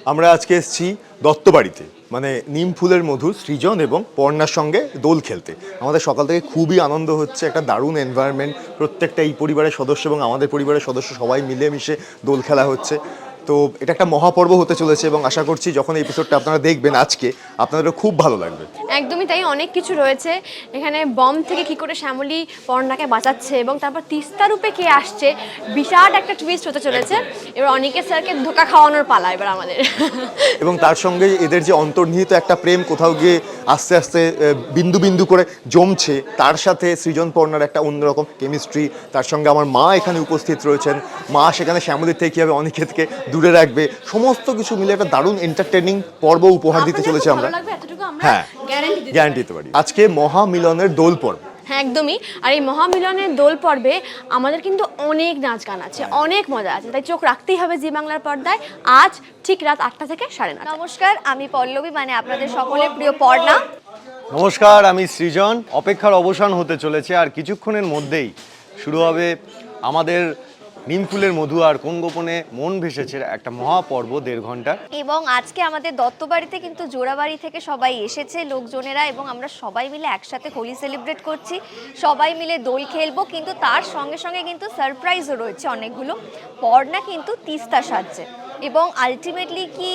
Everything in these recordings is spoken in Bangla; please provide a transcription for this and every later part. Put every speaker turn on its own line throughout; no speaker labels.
আমরা আজকে এসেছি দত্তবাড়িতে, মানে নিম ফুলের মধু সৃজন এবং পর্ণার সঙ্গে দোল খেলতে। আমাদের সকাল থেকে খুবই আনন্দ হচ্ছে, একটা দারুণ এনভায়রনমেন্ট, প্রত্যেকটা এই পরিবারের সদস্য এবং আমাদের পরিবারের সদস্য সবাই মিলেমিশে দোল খেলা হচ্ছে। তো এটা একটা মহাপর্ব হতে চলেছে এবং আশা করছি যখন এই এপিসোডটা আপনারা দেখবেন আজকে, আপনাদেরও খুব ভালো লাগবে।
একদমই তাই, অনেক কিছু রয়েছে এখানে। বম থেকে কি করে শ্যামলী পর্ণাকে বাঁচাচ্ছে এবং তারপর তিস্তা রূপে কে আসছে, বিরাট একটা টুইস্ট হতে চলেছে। এবার অনিকেত স্যারকে ধোকা খাওয়ানোর পালা এবার আমাদের।
এবং তার সঙ্গে এদের যে অন্তর্নিহিত একটা প্রেম কোথাও গিয়ে আস্তে আস্তে বিন্দু বিন্দু করে জমছে, তার সাথে সৃজন পর্ণার একটা অন্যরকম কেমিস্ট্রি। তার সঙ্গে আমার মা এখানে উপস্থিত রয়েছেন, মা সেখানে শ্যামলীর থেকে কীভাবে অনিকেতকে দূরে রাখবে, সমস্ত কিছু মিলে একটা দারুণ এন্টারটেনিং পর্ব উপহার দিতে চলেছে আমরা। হ্যাঁ, গ্যারান্টি দিতে পারি। আজকে মহামিলনের দোল পর্ব।
হ্যাঁ একদমই। আর এই মহামিলনের দোল পর্বে আমাদের কিন্তু অনেক নাচ গান আছে, অনেক মজা আছে, তাই চোখ রাখতেই হবে জি বাংলার পর্দায় আজ ঠিক রাত 8টা থেকে 9:30।
নমস্কার, আমি পল্লবী, মানে আপনাদের সকলের প্রিয় পর্ণা।
নমস্কার, আমি সৃজন। অপেক্ষার অবসান হতে চলেছে, আর কিছুক্ষণের মধ্যেই শুরু হবে আমাদের নিমফুলের মধু আর কোন গোপনে মন ভেসেছে একটা মহাপর্ব 1.5 ঘন্টার।
এবং আজকে আমাদের দত্তবাড়িতে কিন্তু জোড়াবাড়ি থেকে সবাই এসেছে লোকজনেরা, এবং আমরা সবাই মিলে একসাথে হোলি সেলিব্রেট করছি, সবাই মিলে দোল খেলবো। কিন্তু তার সঙ্গে সঙ্গে কিন্তু সারপ্রাইজও রয়েছে অনেকগুলো। পর্ণা কিন্তু তিস্তা সাজছে, এবং আলটিমেটলি কি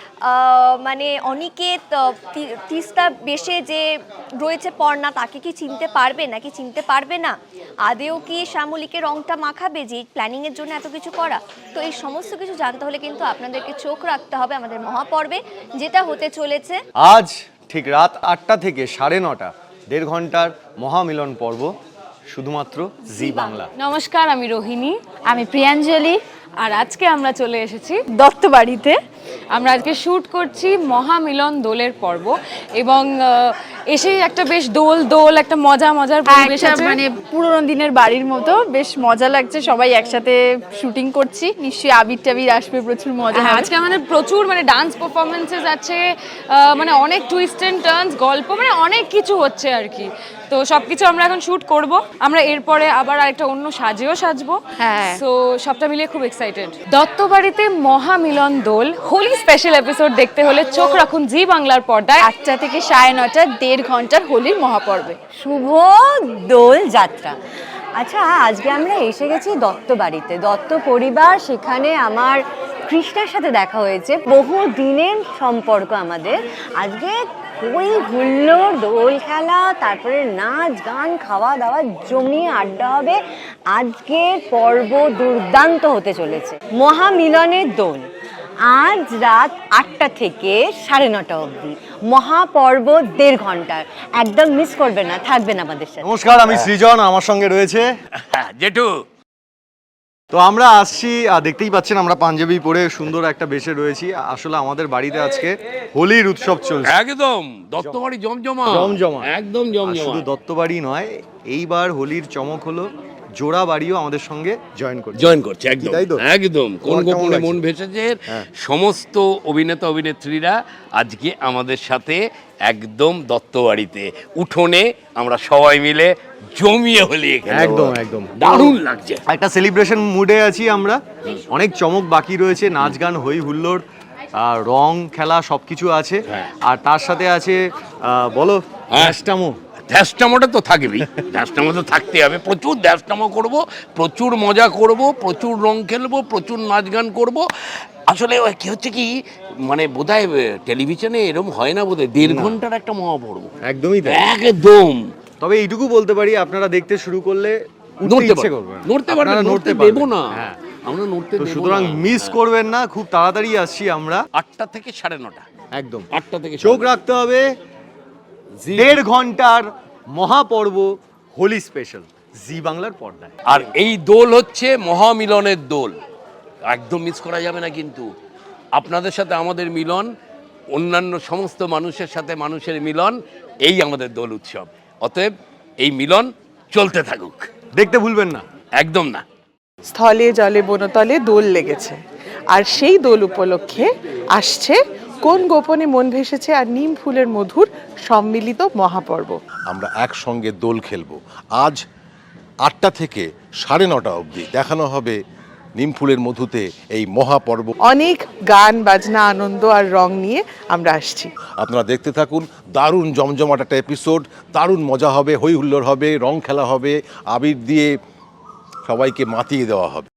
মানে অনিকেত তিস্তা বেশে যে রয়েছে পর্ণা, তাকে কি চিনতে পারবে নাকি চিনতে পারবে না? আদেও কি শ্যামলীকে রংটা মাখাবে, যে প্ল্যানিংয়ের জন্য এত কিছু করা? তো এই সমস্ত কিছু জানতে হলে কিন্তু আপনাদেরকে চোখ রাখতে হবে আমাদের মহাপর্বে, যেটা হতে চলেছে
আজ ঠিক রাত 8টা থেকে 9:30, 1.5 ঘন্টার মহামিলন পর্ব শুধুমাত্র জি বাংলা।
নমস্কার, আমি রোহিণী। আমি প্রিয়াঞ্জলি। আর আজকে আমরা চলে এসেছি দত্তবাড়িতে। আমরা আজকে শ্যুট করছি মহামিলন দোলের পর্ব, এবং এসেই একটা বেশ দোল একটা মজার পরিবেশ আছে, মানে পুরোনো দিনের বাড়ির মতো বেশ মজা লাগছে। সবাই একসাথে শুটিং করছি, নিশ্চয়ই আবির টাবির আসবে, প্রচুর মজা হবে।
আজকে আমাদের প্রচুর মানে ডান্স পারফরমেন্সেস আছে, মানে অনেক টুইস্ট এন্ড টার্নস, গল্প, মানে অনেক কিছু হচ্ছে আর কি। তো সবকিছু আমরা এখন শুট করব। আমরা এরপরে আবার আরেকটা অন্য সাজেও সাজবো।
হ্যাঁ,
সো সবটা মিলিয়ে খুব এক্সাইটেড। দত্তবাড়িতে মহামিলন দোল হোলি স্পেশাল এপিসোড দেখতে হলে চোখ রাখুন জি বাংলার পর্দায়
8টা থেকে 9:30, 1.5 ঘন্টার হোলির মহাপর্বে।
শুভ দোল যাত্রা। আচ্ছা, আজকে আমরা এসে গেছি দত্তবাড়িতে, দত্ত পরিবার। সেখানে আমার কৃষ্ণার সাথে দেখা হয়েছে, বহু দিনের সম্পর্ক আমাদের। আজকে ওই হুল্লোড়, দোল খেলা, তারপরে নাচ গান, খাওয়া দাওয়া, জমিয়ে আড্ডা হবে। আজকের পর্ব দুর্দান্ত হতে চলেছে। মহামিলনের দোল আজ রাত 8টা থেকে 9:30 অবধি, মহাপর্ব 1.5 ঘন্টার। একদম মিস করবে না, থাকবেন আমাদের সাথে।
নমস্কার, আমি সৃজন, আমার সঙ্গে রয়েছে
জেঠু।
তো আমরা আসছি, দেখতেই পাচ্ছেন আমরা পাঞ্জাবি পরে সুন্দর একটা বেশে রয়েছি। আসলে আমাদের বাড়িতে আজকে হোলির উৎসব চলছে,
একদম দত্তবাড়ি জমজমা। একদম জমজমা।
শুধু দত্তবাড়ি নয়, এইবার হোলির চমক হলো জোড়া বাড়িও আমাদের সঙ্গে
জয়েন করছে। একদম
তাই তো?
একদম কোন
তোমার কেমন
গোপনে
লাগছে?
মন ভেসেছে
হ্যাঁ।
সমস্ত অভিনেতা অভিনেত্রীরা আজকে আমাদের সাথে একদম দত্তবাড়িতে উঠোনে আমরা সবাই মিলে জমিয়ে হোলি খেলবো।
একদম
দারুণ লাগছে।
একটা সেলিব্রেশন মুডে আছি আমরা। অনেক চমক বাকি রয়েছে, নাচ গান, হই হুল্লোড়, রং খেলা সবকিছু আছে।
হ্যাঁ।
আর তার সাথে আছে বলো
ধ্যাসটামো। ধ্যাসটামোটা তো থাকবেই, ধ্যাসটামো তো থাকতে হবে। প্রচুর ধ্যাসটামো করব, প্রচুর মজা করব, প্রচুর রং খেলবো, প্রচুর নাচ গান করব। আসলে কি হচ্ছে কি, মানে বোধহয় টেলিভিশনে এরকম হয় না বোধহয়, 1.5 ঘন্টার একটা মহাপর্ব।
একদমই তাই।
একদম।
তবে এইটুকু বলতে পারি, আপনারা দেখতে শুরু করলে
নড়তে
ইচ্ছে করবে না।
নড়তে পারবে,
আপনারা
নড়তে
পারবেন।
দেবো না।
হ্যাঁ।
আমরা নড়তে
তো
দেবো
সুতরাং
না।
মিস করবেন না, খুব তাড়াতাড়ি আসছি আমরা।
8টা থেকে 9:30।
একদম
8টা থেকে
চোখ রাখতে হবে 1.5 ঘন্টার মহাপর্ব হোলি স্পেশাল জি বাংলার পর্দায়।
আর এই দোল হচ্ছে মহামিলনের দোল, একদম মিস করা যাবে না। কিন্তু আপনাদের সাথে আমাদের মিলন, অন্যান্য সমস্ত মানুষের সাথে মানুষের মিলন, এই আমাদের দোল উৎসব। অতএব এই মিলন চলতে থাকুক,
দেখতে ভুলবেন না।
একদম না।
স্থলে জলে বনতলে দোল লেগেছে, আর সেই দোল উপলক্ষে আসছে কোন গোপনে মন ভেসেছে আর নিম ফুলের মধুর সম্মিলিত মহাপর্ব।
আমরা একসঙ্গে দোল খেলবো। আজ 8টা থেকে 9:30 অবধি দেখানো হবে নিমফুলের মধুতে এই মহাপর্ব।
অনেক গান বাজনা আনন্দ আর রং নিয়ে আমরা আসছি।
আপনারা দেখতে থাকুন, দারুণ জমজমাট একটা এপিসোড, দারুণ মজা হবে, হই হুল্লোড় হবে, রং খেলা হবে, আবির দিয়ে সবাইকে মাতিয়ে দেওয়া হবে।